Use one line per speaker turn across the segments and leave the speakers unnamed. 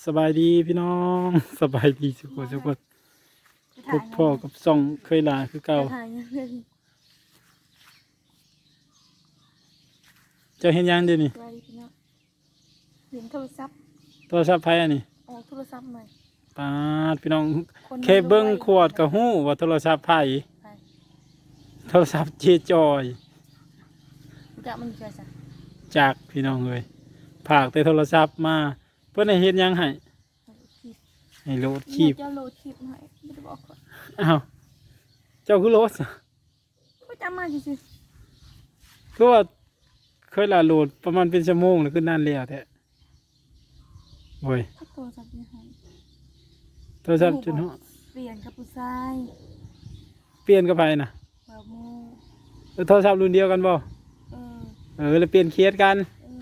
สบายดีพี่น้องสบายดีสุขสุขพบพ่อกับซ่องเคยลาคือเก่าเจะเห็นยังเดี๋ยวนี้
เห็นโทรศัพท์
โทรศัพท์ไผอันนี้
ออกโทรศัพท์ใหม่
ปาดพี่น้องเคเบิ้งขวดกับหู้ว่าโทรศัพท์ไผโทรศัพท์เจจอย
จะมันจะสั่
จากพี่น้องเลยผากแต่โทรศัพท์มาเพื่อนให้เห็นยังให้โหลดคลิป
เจ้าโหลดคลิปให้ไม่ได้บอกก่อน
อ้าวเจ้าคือโหลด
ก็จำมาสิ
คือว่าเคยลาโหลดประมาณเป็นชั่วโมงแล้วขึ้นนานแล้วแท้โอ้ย
โทรศัพท์ยังไง
โทรศัพท์จนหัว
เปลี่ยนกับผู้ชาย
เปลี่ยนกับไปนะ
แบบมู
โทรศัพท์รุ่นเดียวกันบ่แล้วเปลี่ยนเคสกัน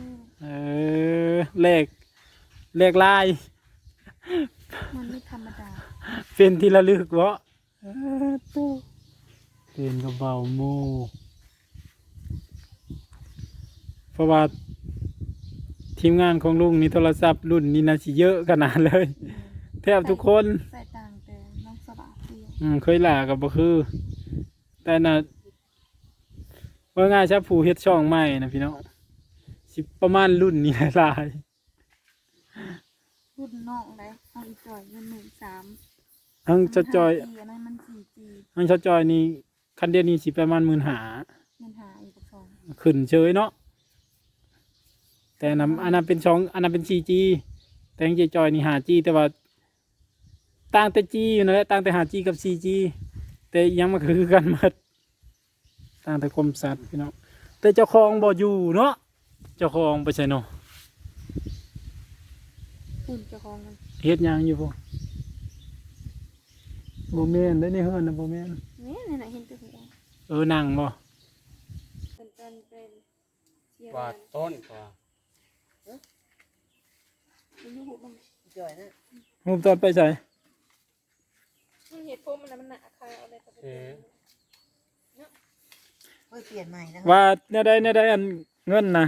เลขลาย
มันไม่ธรรมดา
เป็นที่ระลึกวะตู้เป็นกระเป๋าโมเพราะว่าทีมงานของลุงนี่โทรศัพท์รุ่นนี้น่าจะเยอะขนาดเลยแทบทุกคน
ใส่ต่างแต่น้องสบาย
เคยหล่ากับบ่คือแต่น่ะว่าง่ายชับผู้เฮ็ดช่องใหม่นะพี่น้องสิประมาณรุ่นนี้หลาย
รุ่นน้องเลยเอาอีจอยเงิน13,000
ทั้งชดจอย
อันนั้นมัน 4G
ทั้งชดจอยนี่คันเดียวนี้สิประมาณ15,000
เงินหาอีก2
ขึ้นเฉยเนาะแต่อันนั้นเป็นอันนั้นเป็น 4G แต่ยังจอยนี่ 5G แต่ว่าต่างแต่ G อยู่นั่นแหละต่างแต่ 5G กับ 4G แต่ยังมันคือกันหมดต่างแต่คมสัตว์พี่น้องแต่เจ้าของบ่อยู่เนาะเจ้าของไปใช่เนาะ
คุณเจ้าของมัน
เฮ็ดยังอยู่บ่แม่นได้ในเฮือนนะบ่แม่น
นี่น่ะเห็นตัว
หัวนั่งบ่
เป็น
กว่าต้นกว่า
จ่อยนะ
รูปตอนไปใส่
มันเห็ดพวกมันหนักใครเอาอะไรไป
เปลี่ยนใหม่นะ
ว่าเนี่ยได้อันเงินนะ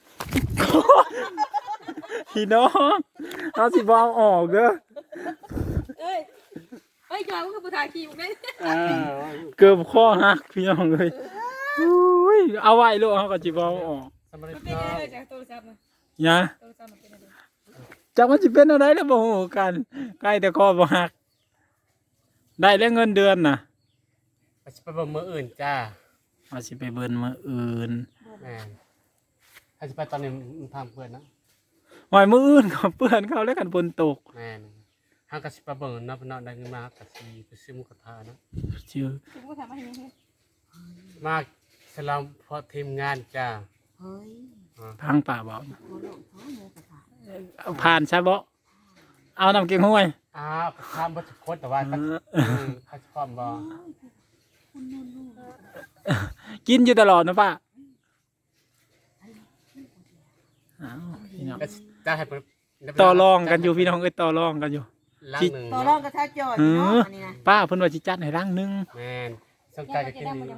พี่น้องเอาสิบเอาออกเด้อ
เอ้ยจอยก็คือผู้ถ่ายคลิปไง
เกือบข้อหักพี่น้องเลยเอาไว้ลูกเขาก็จิบเอาออก
มันเป็นอะไรจากโทรศัพท์นะ
เนี่ยจากมันจะเป็นอะไรแล้วบ่ฮู้กันใกล้แต่ข้อบ่หักได้แล้วเงินเดือนน่ะ
ไปเบิ่งมื้ออื่นจ้า
ว่าสิไปเบิ่นมื้ออื่น
แม่ถ้าสิไปตอนนี้มันทำเพื่อนนะ
หอยมื้ออื่นเขาเปื้อนเขาแล้วกันฝนตก
แม่ห้างก็สิไปเบิ่งเนาะพี่น้องได้เงินมาก็สิไปซื้อหมูกระทะเนาะ
ชื่อ
มาสลามพอทีมงานจ้า
เฮ้ย
พังป่าบ่เอาผ่านใช่บ่เอาน้ำเกี๊ยวห้วย
ทำบัตรโคตรแต่ว่าเขาชอบบ่
กินอยู่ตลอดนะป้า
จะให้
ต่อรองกันอยู่พี่น้องต่อรองกันอยู่
ต่อรองกับท่าจอยเนาะนี่นะ
ป้าเพิ่นว่าสิจัดให้ร่างนึง
แม่นสนใจจะกินดี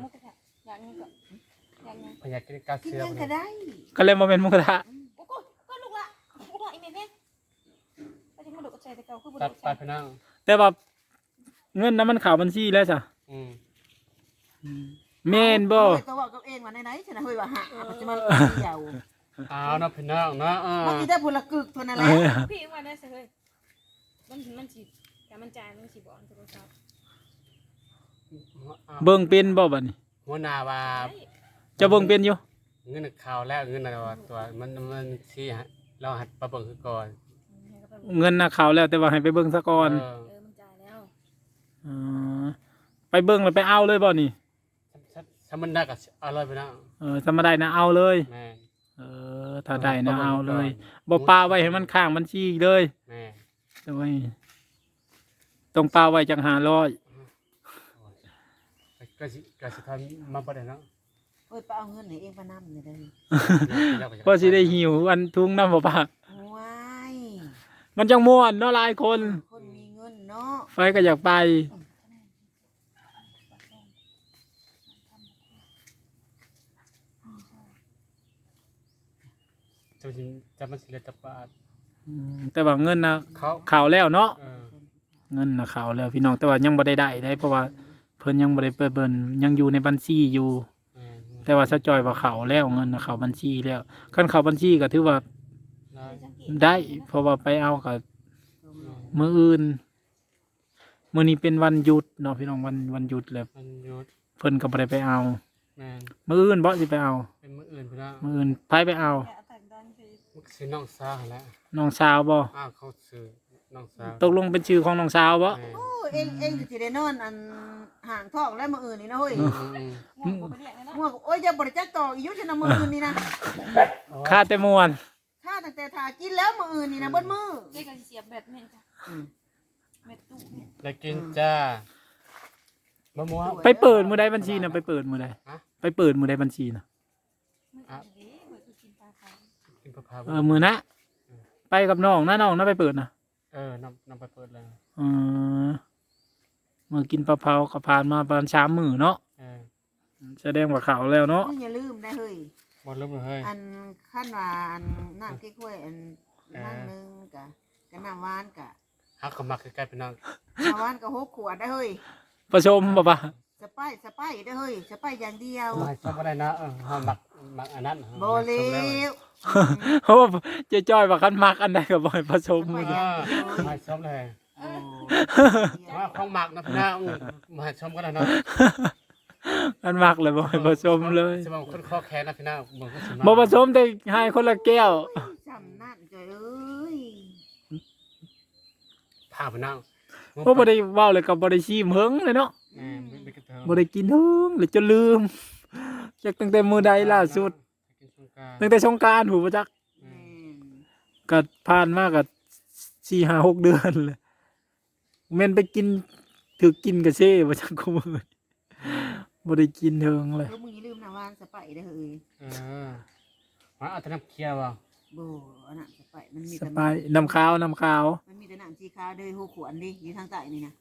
พยากินกาเซียม
ก็เลยมาเป็นหมูกระทะ
ก็ลูกละลูกละอีเมลเนี่ยไปที่มาดูกระจายแต่เก่าคือ
ตัดไปพี่น้อง
แต่ว่าเงินนั้นมันข่าวบัญชีแล้วจ้ะเมนบ่
ตัวบอกตัวเองว่าไหนฉันเฮ้ยว่าหาปัจจุบันเดียว
นะพี่น้องนะ
เมื่อกี้ได้ผลกึกเท่านั้นแหละ
พี่ว่าได้สิเฮ้ยมันฉีดแต่มันจ่ายมันฉีดบ่อนโทรศัพท์
เบิ่งเป็นบ่บัดนี้
หัวหน้าว่า
จะเบิ่งเป็นอยู่
เงินข่าวแล้วเงินอะไรตัวมันชี้เราหัดประเบิ่งคือก่อน
เงินน่ะข่าวแล้วแต่ว่าให้ไปเบิ่งซะก่อน
มันจ่ายแล้ว
ไปเบิ่งแล้วไปเอาเลยบ่นี่
ถ้ามันได้ก็เอาเลยไปนะ
ถ้ามาได้นะเอาเลยถ้าได้นะเอาเลยบ่ปาไว้ให้มันข้างบัญชีเลยจะไว้ต้องปาไว้จัง500
ก็สิทำมาบ่ได้เนาะ
ไปเอาเงินไหนเองปะน้ำเลย
พอสิได้หิวอันทุ่งน้ำบ่ป้า
ว้าย
มันจังม่วนเนาะหลายคน
มีเงินเนาะ
ไฟก็อยากไป
จะมันสิเลยตะปาด
แต่ว่าเงินนะ
เขา
ข่าวแล้วเนาะ
เออ
เงินนะข่าวแล้วพี่น้องแต่ว่ายังบ่ได้เพราะว่าเพิ่นยังบ่ได้เปิดเบิ่นยังอยู่ในบัญชีอยู่
เออ
แต่ว่าซะจอยว่าข่าวแล้วเงินนะข่าวบัญชีแล้วคันข่าวบัญชีก็ถือว่า
ได้
ได้ เพราะว่าไปเอากับมื้ออื่นมื้อนี้เป็นวันหยุดเนาะพี่น้องวันหยุดแล้ว
มันหยุด
เพิ่นก็บ่ได้ไปเอา
แม่น
มื้ออื่นบ่สิไปเอา
เป็นมื้ออื่นพี่น้อง
มื้ออื่นไผไปเอา
มันซื้อน้องสาวแล้ว
น้องสาวบ่
อ้าวเขาซื้อน้องสาว
ตกลงเป็นชื่อของน้องสาวบ่
แม่น
โอ้เองสิได้นอนอันห่างท้องแล้วมื้ออื่นนี่นะเฮ้ย
อืม
ง่วงบ่ไปเรียกเลยเนาะ
ม่วงโอ้ยอย่าบริจาคต่ออีกอยู่ชนะมื้ออื่นนี่นะ
ค่าแต่ม่วน
ถ้าตั้งแต่ทากินแล้วมื้ออื่นนี่นะเบิดมื้อ
เด็กก็สิเสียบแบตแม่นจ้ะแบตตู้เนี่ย
ได้กินจ้าบ่มัว
ไปเปิดมื้อใดบัญชีน่ะไปเปิดมื้อใด
ฮะ
ไปเปิดมื้อใดบัญชีน่ะ
มันอันนี้เบิดคือกินปลาขาว
กินปลาพา
มื้อนะไปกับน้องนะไปเปิดน่ะ
น้ำไปเปิดเลย
เออมื้อกินปลาเผาก็ผ่านมาประมาณ3มื้อเนาะ
เออ
แสดงว่าข่าวแล้วเนาะ
มึงอย่าลืมนะเฮ้ย
บ่ลืมเลยเฮ้ย
อันขั้นว่าอันน้ำเก๊กฮวยอันนั่งนึงกะน้ำหวานกะ
ฮักก็มักคือใกล้พี่น้อง
น้ำหวานกะ6 ขวดได้เฮ้ย
ประชมบ่ปะ
สไปได้เฮ้ยสไปอย่างเดียว
มาชอบบ่ได้นะเฮามักอันนั้น
บ่เลว
เพราะว่าเจ๊จ้อยว่าคันมักอันใดก็บ่ให้ประชมมื้อ
เอ
นี้
อมาชอบเลยว่าของมักนะพี่น้องมาชมกันนะเนาะ
อันมักเลยบ่ให้ประชมเลย
สิบ่คนคอแขนนะพี่น้องบ่ก็สิ
บ่ประชมแต่ให้คนละแก้ว
จำนั่นเจ้ยเอ้ย
พาพี่น้อง
เพราะบ่ได้เว้าเลยก็บ่ได้ชิมเฮิงเลยเนาะ
ไปกระเทิง
บ่ได้กินเฮิงเลยจนลืมจักตั้งแต่มื้อใดล่าสุด
กินสงกรานต์
ตั้งแต่สงกรานต์หูบ่จัก
แม่น
ก็ผ่านมาก็4-5-6 เดือนเลยแม่นไปกินถูกกินกะเซ่บ่จักกูมื้อบ่ได้กินเฮิงเลย
แล้วมึงอย่าลืมน้ำหวานสไปได้เฮ้ย
มาเอาแต่น้ำเคี่ยวบ่
บ่อันนั้นสไปมันมี
ส
แต่
บายน้ำขาว
มันมีแต่น้ำสีขาวเด้อ6 ขวดดิอยู่ทางใต้นี่นะ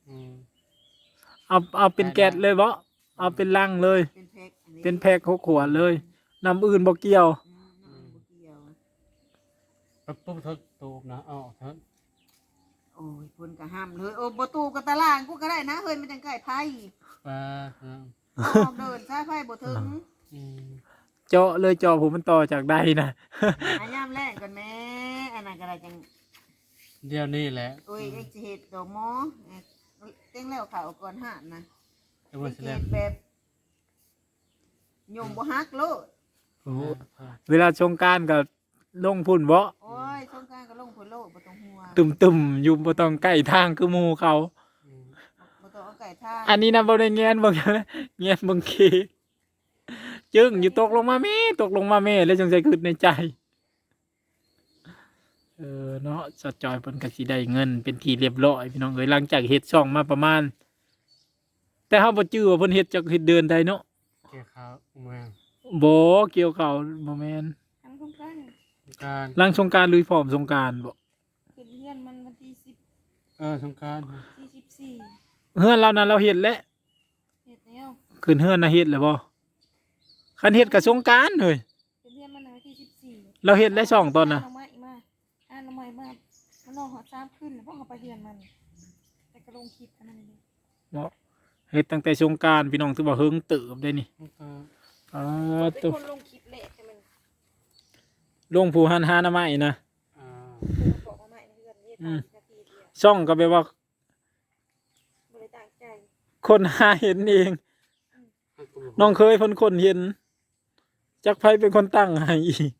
เอาเป็นแก๊สเลยบ่เอาเป็นลังเลย
เป็นแพ็คอันนี้
เป็นแพ็ค6 ขวดเลยน้ำอื่นบ่เกี่ยว
น้ำบ่เกี่ยว
ปุ๊บเถิดตูบนะเอาเถิด
โอ้ยเพิ่นก็ห้ามเลยโอ้บ่ตู้กับตารางกูก็ได้นะเฮ้ยมันจังใกล้ไผ
ปลา
ออกเดินซ้ายไผบ่ถึง
เจาะเลยเจาะผมมันต่อจากใดนะ
หายามแรกก่อนแม่อันนั้นก็ได้จัง
เดี๋ยวนี้แหละ
โอ้ยเอ็กสิเฮ็ดดอกหมอเต้งแล้วเขาก่อนหาดนะ
เดี๋ยวมัน
เฮ็
แสดง
ดแบบยมบ่ฮักโลด
เวลาสงกรารก็ลงพุ่นบ่
โอ้ยสงกรานต์ก็ลงพุ่นโลดบ่ต้องห่วง
ตุ่มๆอยู่บ่ต้องใกล้ทางคือหมู่เขา
บ่ต้องเอาไก่ท่า
อันนี้นะบ่ได้แงนเบิ่งแงนเบิ่งเคจึงอยู่ตกลงมาแม่แล้วจังใจคิดในใจเนาะสะจอยเพิ่นก็สิได้เงินเป็นที่เรียบร้อยพี่น้องเอ้ยหลังจากเฮ็ดช่องมาประมาณ แต่เฮาบ่จื้อว่าเพิ่นเฮ็ดจักเฮ็ดเดือนใดเนาะ
เกี่ยวข้าวเมือง
บ่เกี่ยวข้าวบ่แม่น
ทั้งโครงการ
การ
หลังสงกรานต์ลุยพร้อมสงกรานต์บ่
ขึ้นเรือนมันวันที่
สงการ
14
เฮือนเรานั้นเราเฮ็ดแล้ว
เฮ็ดแล้ว
ขึ้นเฮือนน่ะเฮ็ดแล้วบ่คันเฮ็ดก็สงกรานต์เฮ้ย
ขึ้นเรือนมันวันที่14
เราเฮ็ดแล้วช่องตอนน่ะ
น้องไม้มาน้องไม้มามันนอนหอด3คืนแล้วพอเขาไปเรือนมัน แต่ก็ลงคลิปกันนั่นเอง
เนาะเฮ็ดตั้งแต่สงกรานต์พี่น้องถือว่าเฮิงเติบได้นี่
เป็น
ตัว
คนลงคลิปแหละแต่มัน
ลงผู้หันหาหน้าไม้นะ
บอกว่าไม่นะเพื่อนนี่นาทีเดียว
ช่องก็แปลว่า
บริต่างใจ
คนหาเห็นเอง น้องเคยคนเห็นจักไผเป็นคนตั้งให้อีก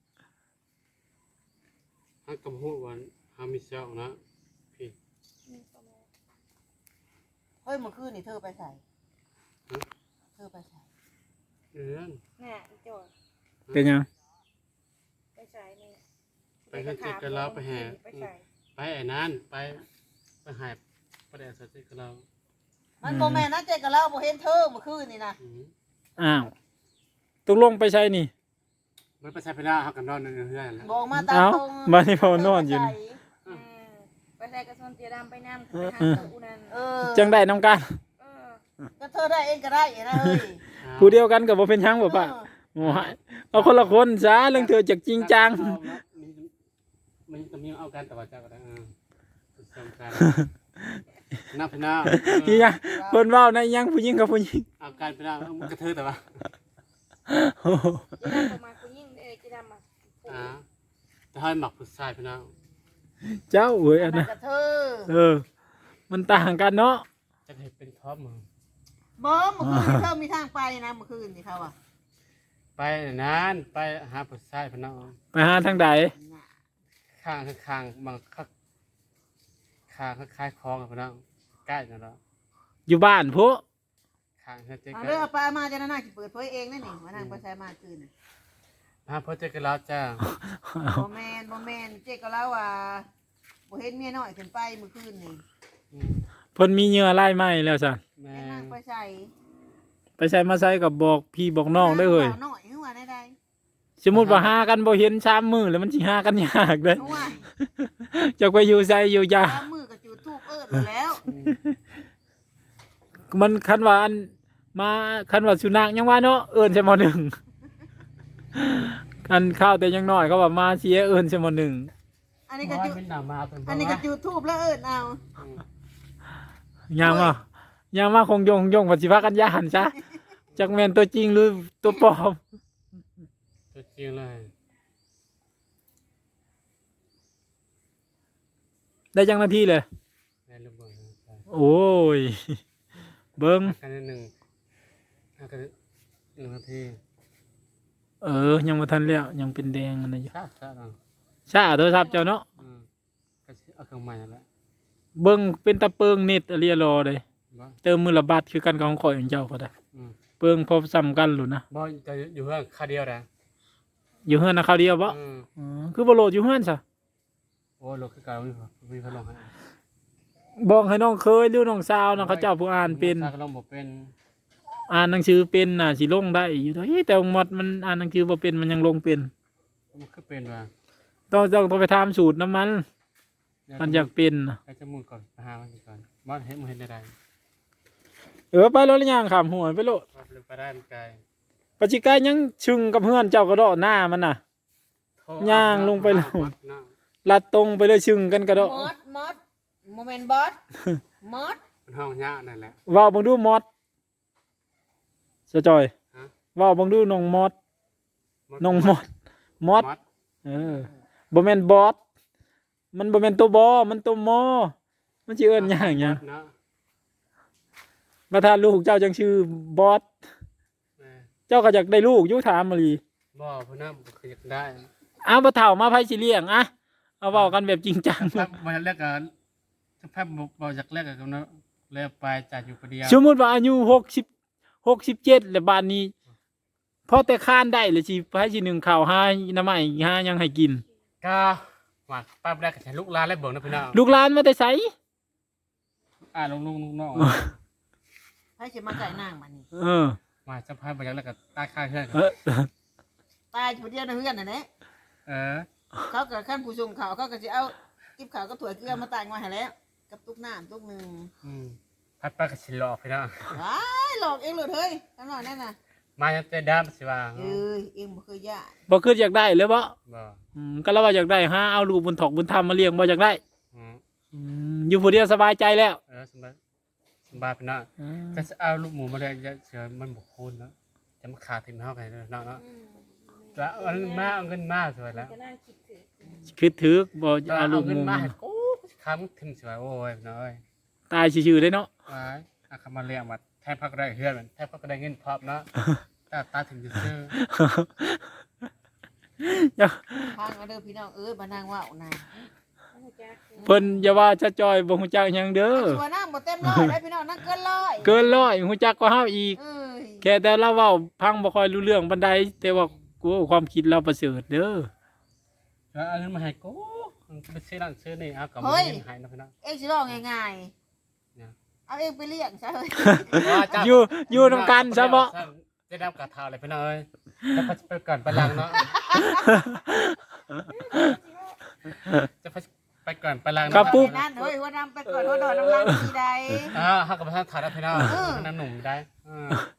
ฮักกับหัววันฮามิเซลนะพี่
นี่ประมาณ
เฮ้ยเมื่อคืนนี่เธอไปใส่เธอไปใส่
น่ะอีจอย
เป็นหยัง
ไปใส่นี่
ไปเฮ็ดเจ็ดกันแล้วไปแห่
ไปใส่
ไปไอ้นั่นไปหายประเดี๋ยวสักทีกับเรา
มันบ่แม่นนะเจ๊กับเราบ่เห็นเธอเมื่อคืนนี่นะ
อ้าวตกลงไปใช่นี่
มันไปใช้ไปได้ฮักกันนอนในเฮือนแล้ว
บอกมาตาม
เอ้า
ตรง
บ้านนี้พอนอนอยู่นี่
อืมไปใส่กระสนเตียดำไปน้ำไปหาตัวนั่น
เออ
จังได้น้ำกัน
เออ
ก็เธอได้เองก็ได้นะเฮ้ย
ผู้เดียวกันก็บ่เป็นหยังบ่ป่ะโอ้ยเอาคนละคนซะเรื่องเธอจักจริงจัง
มมันก็มีเอากันแต่ว่าเจ้าก็ได้สำคัญนับพี่น้อง
อีหยังเพิ่นเว้าในยังผู้หญิงกับผู้หญิง
เอาการพี่น้องมันกระเทือแต่ว่า
โอ้โห
จีดำประมาณกูยิ่งจีดำมา
จะให้หมักผู้ชายพี่น้อง
เจ้าเอ้ยอัน
มั
นั้น
นกระเทอ
มันต่างกันเนาะ
จะให้เป็นท็อปมึง
บ่เมื่อคืนเธอมีทางไปนะเมื่อคืนนี่เขาอ่ะ
ไปนั้นไปหาผู้ชายพี่น้อง
ไปหาทางใด
ข้างบางข้างคล้ายคลองพี่น้องใกล้นั่นแหละ
อยู่บ้านพุ
ข้างเจ๊
เอา
กัน
เรื่องปลามาจะน่าจะเปิดเผยเองนั่นนี่มาทางไปใช้มาคืน
หาพ่อเจ๊กันแล้วจ้า
บ่แมนเจ๊ก็เล่าว่าบ่เห็นเมียน้อยขึ้นไปเมื่อคืนนี่
เพิ่นมีเหยื่อไล่ไหม้แล้วสั่น
แม่
แม่นางไปใส่
ไปใส่มาใส่กับบอกพี่บอกน้องได้เฮ้ย
น้อยหัวได้
สมมุติว่าหากันบ่เห็น3 มื้อแล้วมันสิหากันยากเด้อ
หัว
จักไปอยู่ไสอยู่ยา
ตามมือก็จุดทูบแล้ว
มันคันว่าอันมาคันว่าสุนัขยังว่าเนาะเอิ้นใช่หมอหนึ่งคันข้าวแต่ยังน้อยเขาว่ามาเสียเอิ้นใช่หมอหนึ่ง
อันนี้ก็
ว่า
จุด
เป็นหนามาเป็น
อันนี้ก็จุดทูบแล้วเอา
ยังมาคงยงปฏิภากันยานซะจักแม่นตัวจริงหรือตัวปลอม
ตัวจริงเลย
ได้จังนาทีเลย
ในระเบิด
โอ้ยเบิ่ง
กันหนึ่งกัน1 นาที
ยังบ่ทันแล้วยังเป็นแดงอันนั้นอยู่
ทราบทราบ
ชาโทรศัพท์เจ้าเนาะ
ก็เอาเครื่องใหม่นั่นแหละ
เบิ่งเป็นตะเปิงเน็ตอะเรียรอเลย
บ่
เติมมือละบาทคือกันกับของข่อยของเจ้าก็ได้
อืม
เปิงพอซ้ำกันหลุนะ
บ่จะอยู่เพื่อนคาเดียวนะ
อยู่เฮือนนะคราวเดียวบ่คือบ่โหลดอยู่เฮือนซะ
โอ้รถคือเก่ามีพัดลมให้
บอกให้น้องเคยหรือน้องสาวนะเขาเจ้าผู้อ่านเป็น
ถ้าก็ลมบ่เป็น
อ่านหนังสือเป็นน่ะสิลงได้อยู่เด้อแต่หมดมันอ่านหนังสือบ่เป็นมันยังลงเป็น
มันคือเป็นว่า
ต้องไปทำสูตรน้ำมันมันอยากเป็นน่ะ
ให้จมูกก่อนไปหามันก่อนบ่เห็นบ่เห็นได้
ไปรถหรือยังขามหัวไปโลด
ว่าไปได้มันไกล
ปัจจิกายยังชึงกับเพื่อนเจ้ากระโดดหน้ามันน่ะ ย่างลงไปแล้ว ลัดตรงไปเลยชึงกันกระโดด
มดโมเมนต์บอสมด
มันห้องยะนั่นแหละ
ว่าวบังดูมอดสะจอย
ฮะ
ว่าวบังดูน้องมอดน้องมอดมอดบ่แม่นบอสมันบ่แม่นตัวบอมันตัวมอมันสิเอิ้นหยังหยัง
เนาะ
มาทานลูกเจ้าจังชื่อบอสเจ้าก็อยากได้ลูกอยู่ถามมาลี
บ่เพิ่นน่ะบ่เคยอยากได้
เอาบ่เฒ่ามาไผสิเลี้ยงอะเอาเว้ากันแบบจริงจัง
ภาพบ่แรกก็ภาพบ่อยากแรกก็เนาะแล้วไปจ่ายอยู่คนเดียว
สมมุติว่าอายุ60 67แล้วบ้านนี้พอแต่ค้านได้เลยสิไผสินึ่งข้าวหาน้ำไม้หาหยังให้กิน
ก็ว่าป้าแรกก็ใช้ลูกหลานแล้วเบิ่งนะพี่น้อง
ลูกหลานมาแต่ไส
ลุงน้อง
ให้จะมาไก่นางมันนี่
มาสะพายบ่อยากแล้วก็ตายค่าเฮือน
ตายผู้เดียวในเฮือนน่ะแหละ
เออ
เขาก็ขั้นผู้ชงเขาก็จะเอากิบขาวก็ถั่วเกลือมาตากมาให้แล้วกับตุกน้ำตุกหนึ่ง
พัดป้าก็สิหลอกพี่น้อง
ว้ายหลอกเองเลยเฮ้ยทั้งหน่อยนั่นน่ะ
มายังแต่ดำสิว่า
เอ้ยเองบ่เคยย่า
บ่คืออยากได้เลยบ่
บ่
ก็แล้วว่าอยากได้หาเอาลูกบุญถอกบุญธรรมมาเลี้ยงบ่อยากได้
อืม
อยู่ผู้เดียวสบายใจแล้ว
สบายพี่น้องก็จะเอาลูกหมูมาได้เสือมันบ่คูณเนาะจะมาขาดถึงเฮากันเนาะแล้วเอาเงินมาสวยแล้ว
จะน่าคิดถึง
คิดถึกบ่
เอา
เอาลูก
เงิน
หมู
มาให้กูค้ำถึงสวยโอ้ยน้อย
ตายชื่อๆเลยเนาะ
อ้ายอาคามาเลี้ยงมาแทบพักได้เฮือนมันแทบพักได้เงินพร้อมเนาะตาถึงจะซื้อ
ทางเอาเด้อพี่น้องมานางว่าวนะ
เพิ่นอย่าว่าจะจอยบ่ฮู้จักหยังเด้อ
ชัวนั่งบ่เต็มร้อยได้พี่น้องนั่งเกินร้อย
เกินร้อยฮู้จักกว่าเฮาอีก
เอ้ย
แค่แต่เราเว้าพังบ่ค่อยรู้เรื่องปานใดแต่ว่ากูความคิดเราประเสริฐเด้อ
แล้วเอาเงินมาให้กูไปซื้อนั่นซื้อนี่เอากับมึงให้นะพี่น้อง
เองสิร้องง่ายๆเอาเองไปเลี้ยงซะเฮ้ย
อยู่นำกันซะบ่
จะดำกระทาเลยพี่น้องเอ้ยจะไปก่อนไปหลังเนาะจะไปก่อนไปหลัง
ครับปุ๊บ
นั่นเฮ้ยว่านำไปก่อนว่าดอนน้ำลายทีใด
ฮักกับท่านถ่ายได้พี่น้องน้ำหนุ่มได้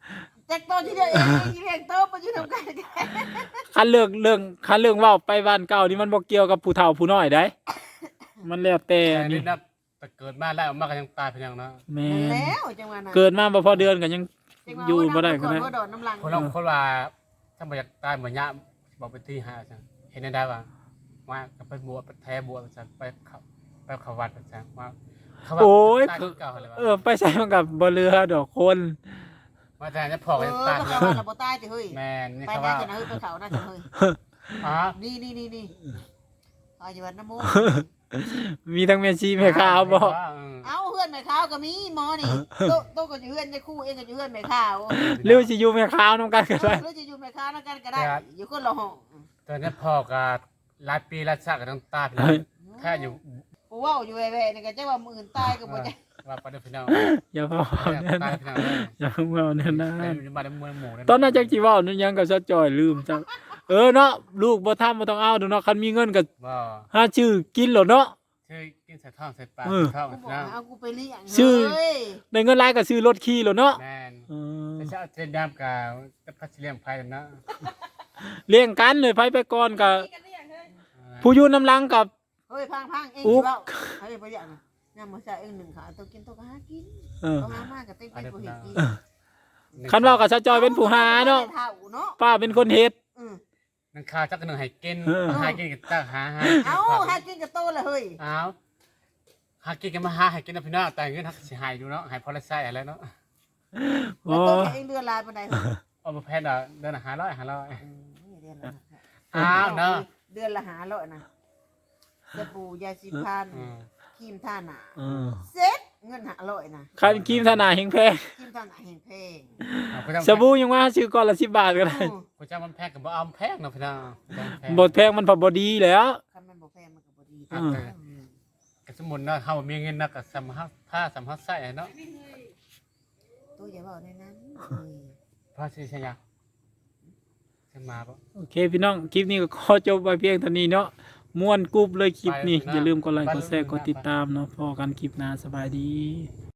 แจ็คโตที่เดียวเองอีเลี้ยงโตมาอยู่ทำกัน
คันเรื่องเว้าไปบ้านเก่านี่มันบ่เกี่ยวกับผู้เฒ่าผู้น้อยได้ มันแล้วแต่
แต่
นี่
นี่นะแต่เกิดมาแล้วมาก็ยังตายเพียงเนาะ
แม่
นั่น
น
แล้วจังหวะนั้น
เกิดมาบ่พอเดือนก็ยังอยู่บ่ได้ก็ได้
ว่าโดดน้ำลัง
คนเราคนว่าถ้าบ่อยากตายเหมือนยะบอกไปที่หาจังเห็นได้ว่าว่าก็ไปบวชไปแท้บวชจังไปเข้าวัดจังว่าเขาว่า
โอ้ย
ตายเก่าเลยว่า
ไปใส่มันกับบ่เรือดอกคน
ว่าแต่จะพอ
เอ
กัน
อ
ตาย
ก็
แล้ว
เขาว่าเราบ่ตายจะเฮ้ย
แม่นี่
ไป
เขา
น่า
ว่า
จะเฮ้ยไปเขาน่าจะเฮ้ย
อ๋อ
นี่เอาอยู่วัดน้ำมูก
มีทั้งแม่ชีแม่ขาวบ่
เอาเพื่อนแม่ขาวก็มีหมอนี่โตก็อยู่เพื่อนจะคู่เองก็อยู่เพื่อนแม่ขาว
หรือสิอยู่แม่ขาวนำกันก็ได้
หรือจะอยู่แม่ขาวนั่นกันก็ได้อยู่คนละห้อง
ตอนนี้พ่อก็หลายปีหลายชาติก็ต้องตายแค่อยู่
กูว่าอยู่แว่ๆนี่ก็จะว่ามื้ออื่นตายก็บ่จะ
ว่าไปเด้อพี่น้อง
อย่าเว้า
ตาย
แน่นะ
พี่น้องเลย
อย่าเว้าแน่นะ
มาได้มวยหมู่
ตอนนั้นจักสิเว้านั่นยังก็ซะจ่อยลืมจังเนาะลูกบ่ทำบ่ต้องเอาดอกเนาะคันมีเงินก็
บ่
หาชื่อกินโลดเนาะ
ชื่อกินใส่ท้องใส่ปาก
เออ
ท้อง
กูบอก
นะ
เอากูไปเลี้ยง
ชื่อ
เฮ้ย
ได้เงินหลายก็ซื้อรถขี่โลดเนาะ
แม่น
เออ
แต่จะเอาเจนดำกับพัชเลียงไพ่นะ
เลี้ยงกันเลยไผไปก่อนก็
กันได้อย่างเฮ้ย
ผู้อยู่น้ำหลังกับ
เฮ้ยพังๆเอง
อุ๊
สิ
บ
เว้าเฮ้ยบ่อยากนะยามมื้อเช้าเองหนึ่งขาตัวกินตัวก็หากิน
เออ
เขาหามากก็เต็มไปบ่เฮ็ดกิน
คันเว้ากับซะจ่อยเป็นผู้หาเนาะ
เท่าเนาะ
ป้าเป็นคนเฮ็ด
อือ
นังข้าวจักหนึ่งให้กิน
เออ
หากินกับจ้าหา
เอาหากินกับโตเลยเฮ้ย
เอาหากินกันมาหาให้กินนะพี่น้องแต่เงินหักสิหายอยู่เนาะหายพอละไส้อะไรเนาะ
โอ้
แล้วโตเองเดือนลายปานใดเฮ้ย
เอามาแพนเดิน500
เดือนละ
อ้าวเนาะ
เดือนละ500นะสบู่ยาสีฟัน
อืม
ครีมทาหน้า
เออ
เซ็ตเงิน500นะ
คันครีมทาหน้าแฮงแพง
ครีมทาหน้าแพง
สบู่ยังว่าซื้อก่อนละ10 บาทก็ได้
กูจะมันแพงกับบ่เอาแพงเนาะพี่น้อง
บ่แพงมันพอบ่ดีแล้ว
คันมันบ่แพงมันก็บ่ดี
อืม
กสมุนเนาะเฮามีเงินเนาะก็สำผ้าสำไส้เนาะ
ตัวอย่าเว้าในนั้น
พอสิใช่ยังจะมาบ่
โอเคพี่น้องคลิปนี้ก็ขอจบไว้เพียงเท่านี้เนาะม่วนกรุบเลยคลิปนี้อย่าลืมกดไลค์กดแชร์กดติดตามเนาะพอกันคลิปหน้าสบายดี